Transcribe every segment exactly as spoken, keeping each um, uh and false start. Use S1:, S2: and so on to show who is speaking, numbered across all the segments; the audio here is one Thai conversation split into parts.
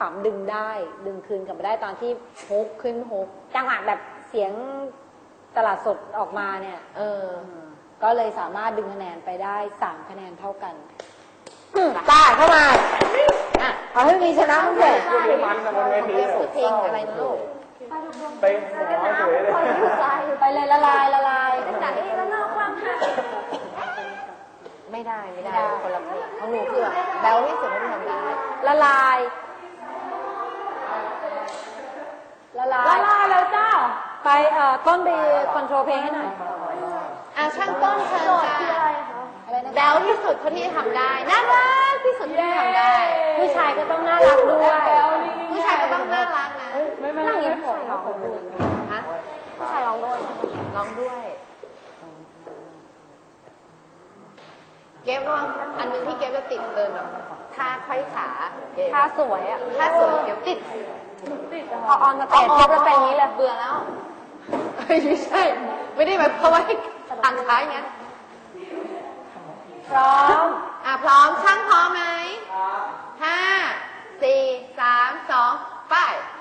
S1: ปั๊มดึงได้ดึงคืนกลับมาได้ตอนที่ฮุกขึ้นฮุกจังหวะแบบเสียงตลาดสดออกมาเนี่ยเออก็เลยสามารถดึงคะแนนไปได้สามคะแนนเท่ากันตาเข้ามาอ่ะเอาให้มีชนะทุกคนเพลงอะไรนะลูก
S2: ไปหมอสวยเลย
S1: ไปเลยละลายละลาย
S3: จากนี้แล้วนอกความหัก
S1: ไม่ได้ไม่ได้คนละเพลงของหนูคือแบลที่สุดที่ทำได้ละลายละลาย
S3: ละลายแล้วเจ้า
S1: ไปเอ่อต้นไปคอนโทรลเพลงให้หน่อย
S3: อ่ะช่างต้นเชิญค่ะแบลที่สุดคนที่ทำได้น่ารักที่สุดที่ทำได้
S1: ผู้ชายก็ต้องน่ารักด้วย
S3: ผู้ชายก็ต้องน่ารักนะ
S1: ไม่ไม่ไม่ไม่ผมร้องด้วย
S3: ฮะผู้ชายร้องด้วย
S1: ร้องด้วย
S3: เก็บว่าอันนึงที่เก็บจะติดเดินแบบท่าไขว้ขา
S1: ท่าสวยอ่ะ
S3: ท่าสวยเก็บติด
S1: พอออนสเตจเก็บจะเป็นอย่างนี้เลย
S3: เบื่อแล้วไม่ใช่ไม่ได้แบบเพราะว่าทางท้ายงั้น
S1: พร้อม
S3: อ่ะพร้อมช่างพร้อมไหมห้าสี่สามสองไป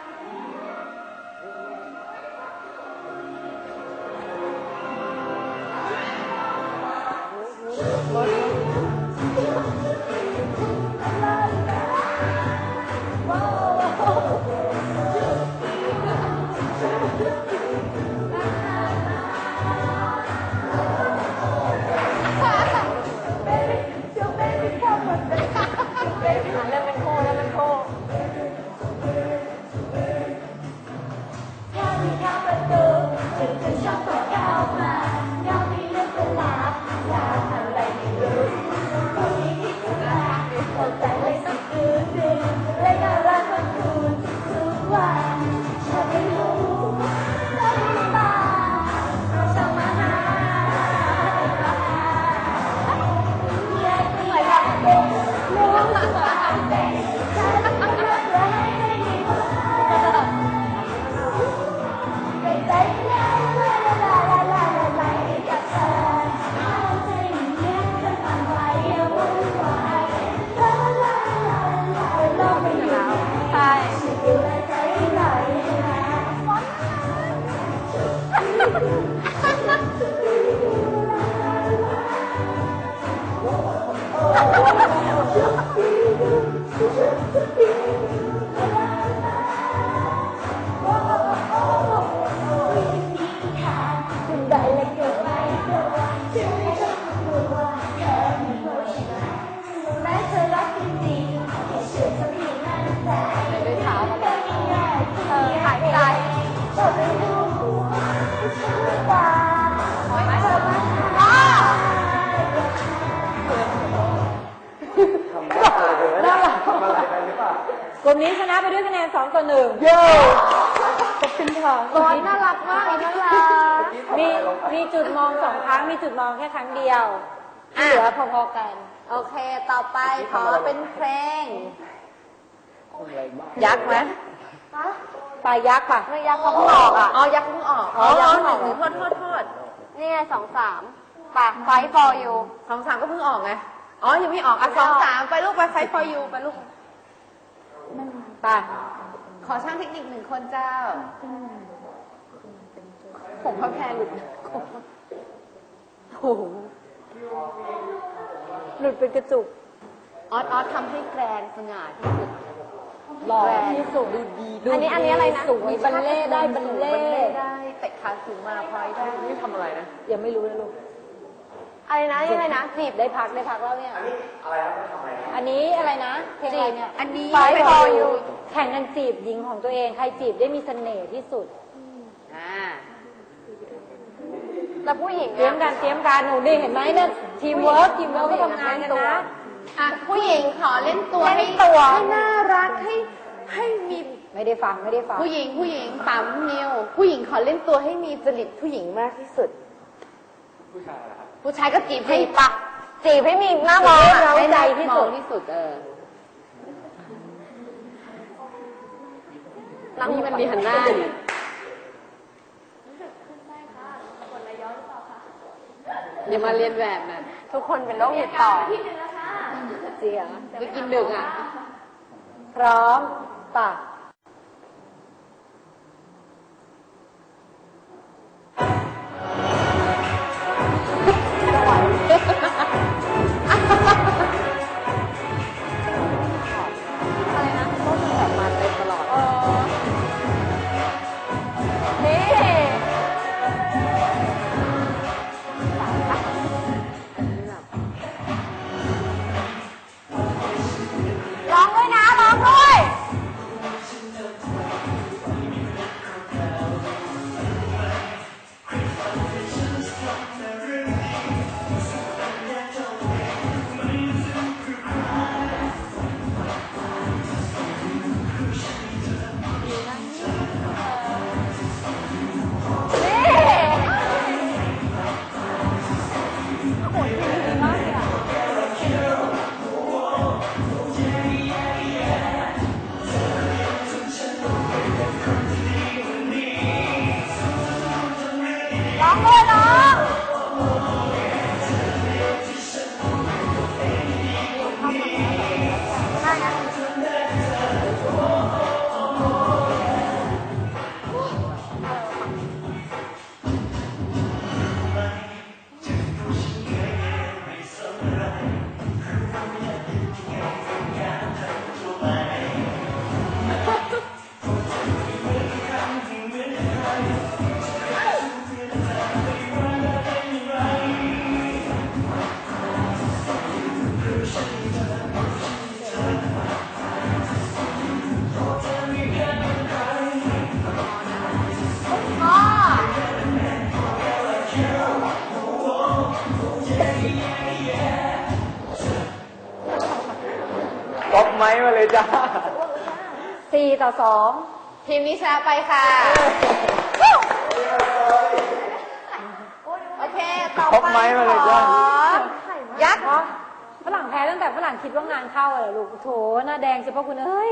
S1: กลุ่มนี้ชนะไปด้วยคะแนนสองต่อหนึ่งเย้ขอบคุณค่ะ
S3: ร้อนน่ารักมากน่ารัก
S1: มีมีจุดมองสองครั้งมีจุดมองแค่ครั้งเดียวที่เหลือพอๆกัน
S3: โอเคต่อไปขอเป็นเพลง
S1: ยักษ์ไหมปลายักษ์ป่ะ
S3: ไม่ยักษ์เขาเพิ่งออกอ่ะอ๋อยักษ์เพิ่งออก
S1: อ๋อยักษ์เพิ่งออก
S3: โทษโทษโทษนี่ไงสองสามป่ะไฟ for you
S1: สองสามก็เพิ่งออกไงอ๋อยังไม่ออกอ่ะ
S3: สองสามไปลูกไปไฟ for you ไปลูก
S1: ไป
S3: ขอช่างเทคนิคหนึ่งคนเจ้าผมพระแพรหลุด
S1: โอ้โหหลุดเป็นกระจุก
S3: ออสออสทำให้แกรนสง่าที่สุด
S1: หล่อที่สุดดูดี
S3: อันนี้อันนี้อะไรนะ
S1: สวยบัลเล่ได้บัลเล่
S3: ได้เตะขาสูงมาพลอยได้
S1: นี่ทำอะไรนะยังไม่รู้เลยลูก
S3: อะไรนะยังไงนะ
S1: จีบได้พักได้พักแล้วเนี่ยอันนี้อะไรนะทำอะไรอันนี้อะไรนะเพลงอะไรเนี่ย
S3: อันนี้
S1: ไฟพออยู่แข่งกันจีบหญิงของตัวเองใครจีบได้มีเสน่ห์ที่สุด
S3: อ่าแล้วผู้หญิง
S1: เตรียมกันเตรียมการหนูดิเห็นไหมเนี่ยทีมเวิร์กทีมเวิร์กก็ทำงานกันนะ
S3: อ่ะผู้หญิงขอเล่นตัวให้ตัวให้น่ารักให้ให้มี
S1: ไม่ได้ฟังไม่ได้ฟัง
S3: ผู้หญิงผู้หญิงปั๊มนิวผู้หญิงขอเล่นตัวให้มีจริตผู้หญิงมากที่สุด
S2: ผู้ชายเหรอครับ
S3: ผู้ชายก็จีบให้ปะจีบให้มีหน้ามอง
S1: ให้ใจที่สุด
S3: ที่สุดเออนี่มันมีหันหน้าอยู่อย่ามาเรียนแบบนะทุกคนเป็นโรคติดต่อ
S1: เสีย
S3: จะกินดึกอ่ะ
S1: พร้อมป่ะอะไรนะก็คือแบบมาเต็มตลอดนี่ร้องด้วยนะร้องด้วย ร้องด้วยน้อง
S2: ก๊อปไม้มาเลยจ้า
S1: สี่ต่อสอง
S3: ทีมนี้ชนะไปค่ะโอเคต่อ
S2: ก๊อป
S3: ไป
S2: ไม้มาเลยจ้า
S3: ยักษ์
S1: ฝรั่งแพ้ตั้งแต่ฝรั่งคิดว่างานเข้าเลยลูกโถหน้าแดงเฉพาะคุณเอ้ย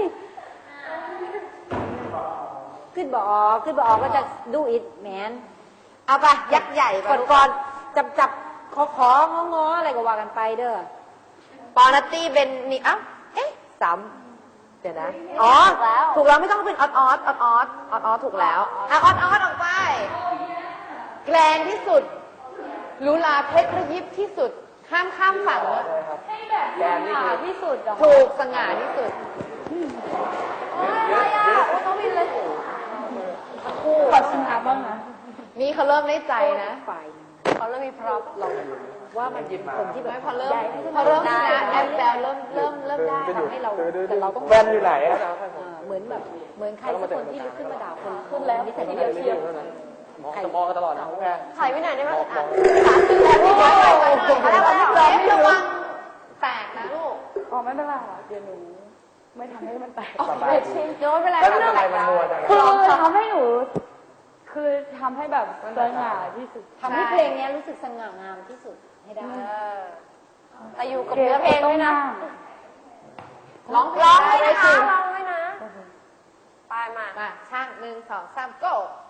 S1: ขึ้นบออกขึ้นบออกก็จะดูอิดแมน
S3: เอาไปยักษ์ใหญ่ไป
S1: ก่อนก่อนจับจับขอขององออะไรก็ว่ากันไปเด้อ
S3: ปอนัตตี้เป็นนี่เอ้าเอ๊ะสามเดี๋ยวนะอ๋อถูกแล้วไม่ต้องเป็นออดออดออดออดออดออดถูกแล้วอ่ะออดออดออกไปแกรนที่สุดหรูหราเพชรระยิบที่สุดห้ามข้ามฝั่งเลย
S2: แกนนี่คือ
S1: ที่สุด
S3: ถูกสง่าที่สุด
S2: เยอะเยอะ
S1: ต้องวินเลย
S3: คู่
S1: ขอชนะบ้างนะ
S3: นี่เขาเริ่มได้ใจนะ
S1: ฝ่ายเขาเริ่มมีพร็อพเราว่ามันเป็นคนที่แบบ
S3: ไม่พอเริ่มพอเริ่มชนะแอบแบลเริ่มเริ่มเริ่มได้
S1: ทำให้เราแต่เราต้อง
S2: แฟนอยู่ไหนอะ
S1: เออเหมือนแบบเหมือนใครสักคนที่ลุกขึ้นมาด่าคนขึ้นแล้วนิสัยเดียวเชียว
S2: มองมองกันตลอดนะแฟน
S3: ถอยไปหน่อยได้ไหมอ่ะสามสิบแล้วพี่ถอยไปหน่อยแล้วแล้วระวังแตกนะลูก
S4: อ๋อไม่เป็นไรค่ะเดี๋ยวหนูไม่ทำให้มันแตก
S2: สบาย
S3: โน้ตเป็นไร
S2: แล้วทำไมมันมัวจัง
S4: คือทำให้หนู คือทำให้แบบสง่าที่สุด
S1: ทำให้เพลงนี้รู้สึกสง่างามที่สุดให้ได้
S3: แต่อยู่กับเนื้อเพลงด้วยนะ ร้อง
S4: ร้อง
S3: ได้
S4: ด้วยนะคะ
S3: ร้องด้วยนะ ไปมา มาช่างหนึ่งสองสาม go